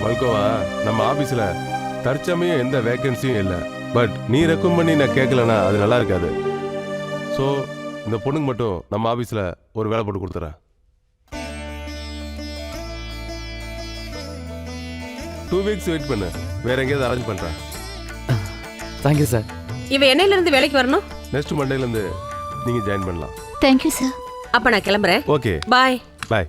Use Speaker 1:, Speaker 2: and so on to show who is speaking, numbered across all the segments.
Speaker 1: மல்கோவா, நம்ம ஆபீஸ்ல தற்சமயம் எந்த வேகன்சியும் இல்லை. பட் நீ ரெக்கமெண்ட் பண்ணி நான் கேட்கலன்னா அது நல்லா இருக்காது. ஸோ இந்த பொண்ணுக்கு மட்டும் நம்ம ஆபீஸ்ல ஒரு வேலை போட்டு கொடுத்துறேன். 2 weeks வெயிட் பண்ணு, வேற எங்கேயாவது அரேஞ்ச் பண்றேன்.
Speaker 2: Thank you sir.
Speaker 3: இவ என்னையில இருந்து வேலைக்கு வரணும்?
Speaker 1: நெக்ஸ்ட் மண்டேல இருந்து நீங்க ஜாயின் பண்ணலாம்.
Speaker 4: Thank you sir.
Speaker 3: அப்ப நான் கிளம்புறேன்.
Speaker 1: Okay,
Speaker 3: bye.
Speaker 1: பாய்.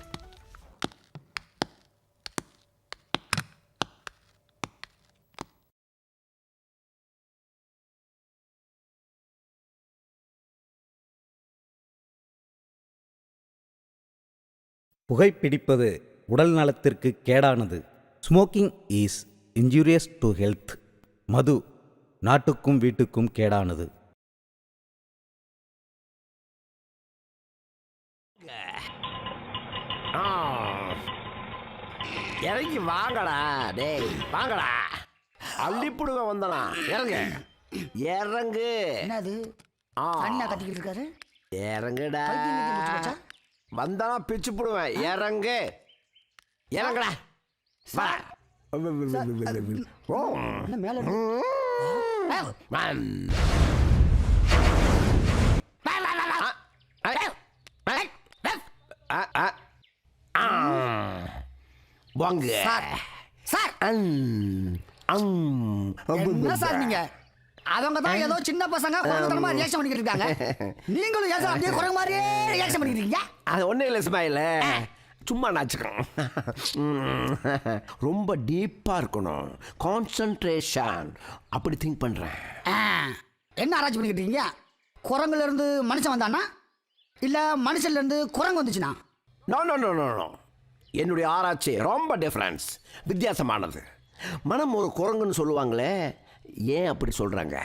Speaker 5: புகைப்பிடிப்பது உடல் நலத்திற்கு கேடானது. Smoking is injurious to health. மது நாட்டுக்கும் வீட்டுக்கும் கேடானது.
Speaker 6: இறங்கி வாங்கடா, டேய் வாங்கடா, அள்ளிப்புடுங்க வந்தனா. இறங்க இறங்கு.
Speaker 7: என்னது அண்ணா கத்திக்கிட்டு இருக்காரு?
Speaker 6: இறங்குடா, வந்தனா பிச்சு புடுவேன். இறங்கு, இறங்குடா. வா.
Speaker 7: என்ன மேல
Speaker 6: வாங்க
Speaker 7: சார். என்ன சார் நீங்க? அவங்க தான் ஏதோ சின்ன பசங்க குழந்தைத்தனமா ரியாக்ஷன் பண்ணிக்கிட்டு இருக்காங்க. நீங்களும் ஏன் சார் அப்படியே குரங்கு மாதிரியே ரியாக்ஷன் பண்ணிக்கிட்டு இருக்கீங்க?
Speaker 6: அது ஒன்றும் இல்லை ஸ்மைல, சும்மா நாச்சுக்கணும். ரொம்ப டீப்பாக இருக்கணும், கான்சன்ட்ரேஷன். அப்படி திங்க் பண்ணுறேன்.
Speaker 7: என்ன ஆராய்ச்சி பண்ணிக்கிட்டு இருக்கீங்க? குரங்குல இருந்து மனுஷன் வந்தானா இல்ல மனுஷன்ல இருந்து குரங்கு வந்துச்சுனா?
Speaker 6: No no no no no, என்னுடைய ஆராய்ச்சி ரொம்ப டிஃப்ரென்ஸ், வித்தியாசமானது. மனம் ஒரு குரங்குன்னு சொல்லுவாங்களே, ஏன் அப்படி சொல்கிறாங்க?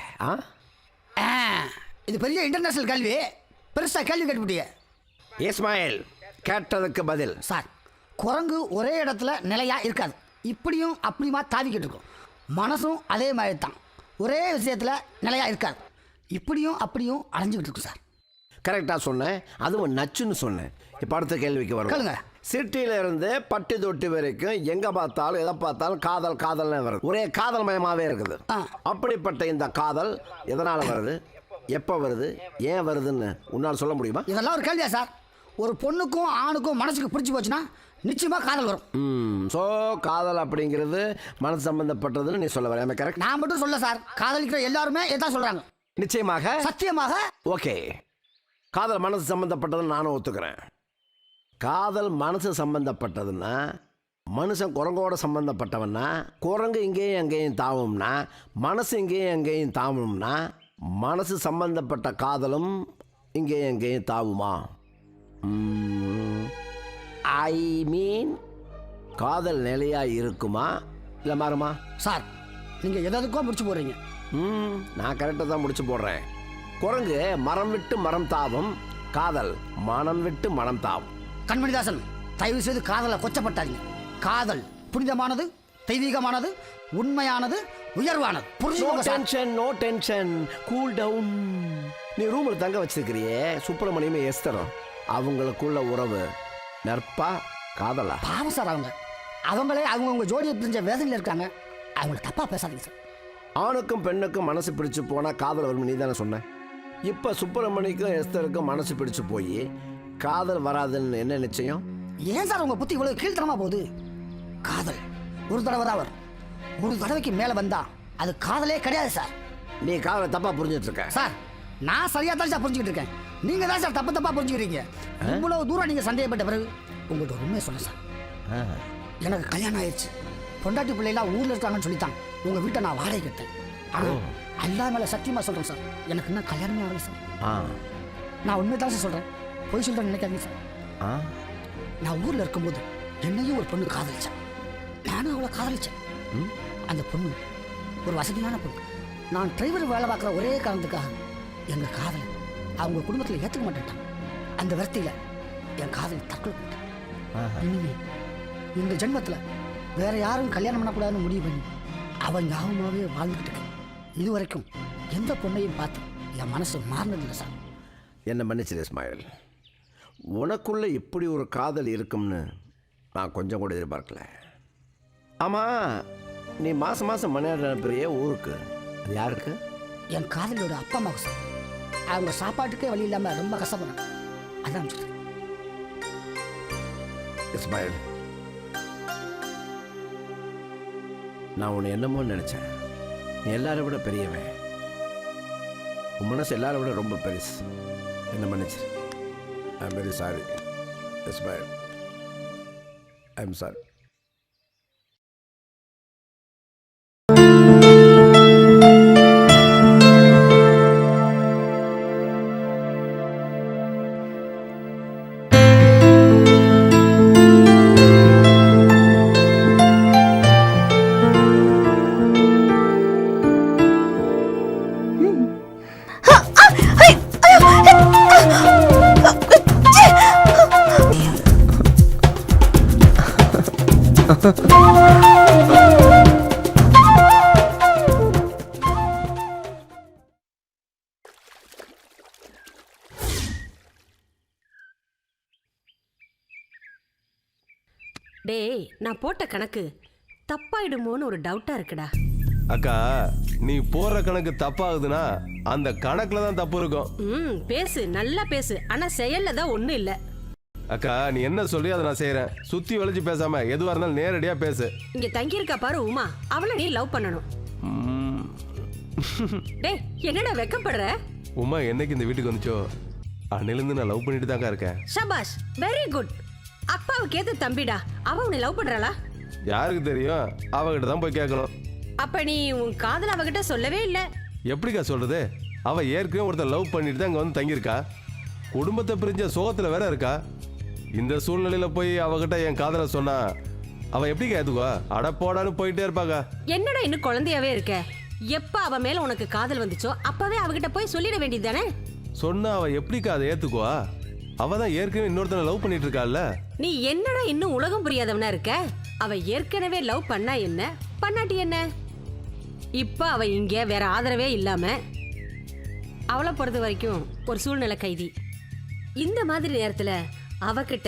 Speaker 7: இது பெரிய இன்டர்நேஷனல் கேள்வி, பெருசாக கேள்வி கேட்டுவிட்டீங்க.
Speaker 6: இஸ்மாயில், கேட்டதுக்கு பதில்.
Speaker 7: சார், குரங்கு ஒரே இடத்துல நிலையாக இருக்காது, இப்படியும் அப்படியுமா தாவிக்கிட்டு இருக்கும். மனசும் அதே மாதிரி தான், ஒரே விஷயத்தில் நிலையாக இருக்காது, இப்படியும் அப்படியும் அலைஞ்சிக்கிட்டு இருக்கும் சார்.
Speaker 6: கரெக்டாக சொன்னேன், அதுவும் நச்சுன்னு சொன்னேன். இப்போ அடுத்த கேள்விக்கு வரும். சிட்டியில இருந்து பட்டி தொட்டி வரைக்கும் எங்க பார்த்தாலும் எதை பார்த்தாலும் காதல் காதல்னு வருது, ஒரே காதல் மயமாவே இருக்குது. அப்படிப்பட்ட இந்த காதல் எதனால வருது, எப்போ வருது, ஏன் வருதுன்னு உன்னால் சொல்ல முடியுமா?
Speaker 7: இதெல்லாம் ஒரு கேள்வியா சார்? ஒரு பொண்ணுக்கும் ஆணுக்கும் மனசுக்கு பிடிச்சி போச்சுன்னா நிச்சயமா காதல் வரும்.
Speaker 6: ஸோ காதல் அப்படிங்கிறது மனசு சம்பந்தப்பட்டதுன்னு நீ சொல்ல வர கரெக்ட்?
Speaker 7: நான் மட்டும் சொல்ல சார், காதலிக்கிற எல்லாருமே இதான் சொல்றாங்க.
Speaker 6: நிச்சயமாக,
Speaker 7: சத்தியமாக.
Speaker 6: ஓகே, காதல் மனசு சம்பந்தப்பட்டதுன்னு நானும் ஒத்துக்கிறேன். காதல் மனசு சம்பந்தப்பட்டதுன்னா மனுஷன் குரங்கோட சம்பந்தப்பட்டவன்னா, குரங்கு இங்கேயும் அங்கேயும் தாவும்னா, மனசு இங்கேயும் அங்கேயும் தாவும்னா, மனசு சம்பந்தப்பட்ட காதலும் இங்கேயும் அங்கேயும் தாவுமா? ஐ மீன், காதல் நிலையாக இருக்குமா இல்லை மாறுமா?
Speaker 7: சார், நீங்கள் எதுக்கோ முடிச்சு போடுறீங்க.
Speaker 6: நான் கரெக்டாக தான் முடிச்சு போடுறேன். குரங்கு மரம் விட்டு மரம் தாவும், காதல் மனம் விட்டு மனம் தாவும்.
Speaker 7: கண்மணிதாசன், தயவு செய்து காதலை கொச்சப்பட்டாதீங்க. காதல் புனிதமானது, தெய்வீகமானது, உண்மையானது, உயர்வானது.
Speaker 6: No tension, cool down. நீ ரூமில் தங்க வச்சிருக்கிறியே சுப்பிரமணியமே எஸ்தரும், அவங்களுக்குள்ள உறவு நற்பா காதலா?
Speaker 7: பாவம் சார், அவங்களே அவங்கவுங்க ஜோடியை பிரிஞ்ச வேதனையில் இருக்காங்க. அவங்கள தப்பா பேசாதீங்க சார்.
Speaker 6: ஆணுக்கும் பெண்ணுக்கும் மனசு பிடிச்சு போனா காதல் வரும், நீ தானே சொன்ன. இப்போ சுப்பிரமணியக்கும் எஸ்தருக்கும் மனசு பிடிச்சு போய் காதல் வராதுன்னு என்ன நிச்சயம்?
Speaker 7: ஏன் சார் உங்க புத்தி இவ்வளவு கீழ்த்தனமா போகுது? காதல் ஒரு தடவை தான் வரும், ஒரு தடவைக்கு மேல வந்தா அது காதலே கிடையாது சார்.
Speaker 6: நீ காதலை தப்பா புரிஞ்சுட்டு இருக்க
Speaker 7: சார். நான் சரியா தான் சார் புரிஞ்சுக்கிட்டு இருக்கேன், நீங்க தான் சார் தப்பு தப்பா புரிஞ்சுக்கிறீங்க. இவ்வளவு தூரம் நீங்க சந்தேகப்பட்ட பிறகு உங்கள்கிட்ட ஒரு உண்மையை சொல்ல சார். எனக்கு கல்யாணம் ஆயிடுச்சு, பொண்டாட்டி பிள்ளைலாம் ஊர்ல இருக்காங்கன்னு சொல்லித்தான் உங்க வீட்டை நான் வாடகை கட்டேன். ஆனா அல்லா மேல சத்தியமா சொல்றேன் சார், எனக்கு இன்னும் கல்யாணமே ஆகல சார். நான் உண்மை தான் சார் சொல்றேன், போய் சொல்றேன் நினைக்காதீங்க சார். நான் ஊர்ல இருக்கும்போது என்னையும் ஒரு பொண்ணு காதலிச்சேன், நானும் அவளை காதலிச்சேன். அந்த பொண்ணு ஒரு வசதியான பொண்ணு. நான் டிரைவர் வேலை பார்க்குற ஒரே காரணத்துக்காக எங்க காதலை அவங்க குடும்பத்தில் ஏற்றுக்க மாட்டேன். அந்த வருத்தியில என் காதலை தற்கொலை பண்ணிட்டேன். இனிமே இந்த ஜென்மத்தில் வேற யாரும் கல்யாணம் பண்ணக்கூடாதுன்னு முடிவு பண்ணி அவன் ஞாபகமாகவே வாழ்ந்துக்கிட்டு இருக்கேன். இது வரைக்கும் எந்த பொண்ணையும் பார்த்து என் மனசு மாறினதில்லை சார்.
Speaker 6: என்ன மன்னிச்சிரு இஸ்மாயில், உனக்குள்ள இப்படி ஒரு காதல் இருக்கும்னு நான் கொஞ்சம் கூட எதிர்பார்க்கல. ஆமாம், நீ மாதம் மாதம் மணி அனுப்புறிய ஊருக்கு, அது யாருக்கு?
Speaker 7: என் காதலியோட அப்பா அம்மாவுக்கு சார். அவங்க சாப்பாட்டுக்கே வழி இல்லாமல் ரொம்ப கஷ்டப்படுறாங்க. அதான் அனுப்பிச்சிருக்கேன்.
Speaker 6: இஸ்மாயில், நான் உன்னை என்னமோ நினச்சேன். நீ எல்லாரை விட பெரியவன். உன் மனசு எல்லாரை விட ரொம்ப பெருசு. என்ன மன்னிச்சிரு. I am very sorry Ismail. I am sorry.
Speaker 3: டேய், நான் போட்ட கணக்கு தப்பாயிடுமோன்னு ஒரு டவுட்டா இருக்குடா.
Speaker 1: அக்கா, நீ போடுற கணக்கு தப்பாகுதுன்னா அந்த கணக்குல தான் தப்பு இருக்கும்.
Speaker 3: பேசு, நல்லா பேசு. ஆனா செயல்ல தான் ஒண்ணும் இல்ல.
Speaker 1: அக்கா, நீ என்ன சொல்லி அதை நான் செய்யறேன். சுத்தி வளைச்சு பேசாம எதுவா இருந்தாலும் நேரடியா பேசு.
Speaker 3: இங்க தங்கி இருக்கா பாரு உமா, அவளை நீ லவ் பண்ணணும். டேய், என்னடா வெக்கப்படுற?
Speaker 1: உமா என்னைக்கு இந்த வீட்டுக்கு வந்துச்சோ அன்னிலிருந்து நான் லவ் பண்ணிட்டு தாங்க இருக்கேன்.
Speaker 3: ஷபாஷ், வெரி குட். அப்பாவுக்கு ஏத்த தம்பிடா. அவ உன்னை லவ் பண்றாளா?
Speaker 1: யாருக்கு தெரியும்? அவகிட்ட தான் போய் கேட்கணும்.
Speaker 3: அப்ப நீ உன் காதல் அவகிட்ட சொல்லவே இல்ல.
Speaker 1: எப்படிக்கா சொல்றது? அவ ஏற்கனவே ஒருத்தர் லவ் பண்ணிட்டு தான் இங்க வந்து தங்கியிருக்கா. குடும்பத்தை பிரிஞ்ச சோகத்துல வேற இருக்கா. இந்த சூழ்நிலையில போய் அவகிட்ட என் காதலை சொன்னா அவ எப்படி ஏத்துக்குவா? அட போடான்னு போயிட்டே இருப்பாங்க.
Speaker 3: என்னடா இன்னும் குழந்தையாவே இருக்க? எப்ப அவ மேல உனக்கு காதல் வந்துச்சோ அப்பவே அவகிட்ட போய் சொல்லிட வேண்டியது தானே?
Speaker 1: சொன்னா அவ எப்படிக்கா அதை ஏத்துக்குவா? அவ தான் ஏற்கனவே இன்னொருத்தனை லவ் பண்ணிட்டு இருக்காள்ல.
Speaker 3: நீ என்னடா இன்னும் உலகம் புரியாதவனா இருக்க? அவ ஏற்கனவே லவ் பண்ணா என்ன, பண்ணாட்டி என்ன? இப்ப அவ இங்க வேற ஆதரவே இல்லாம அவளை பொறுத்த வரைக்கும் ஒரு சூழ்நிலை கைதி. இந்த மாதிரி நேரத்துல அவகிட்ட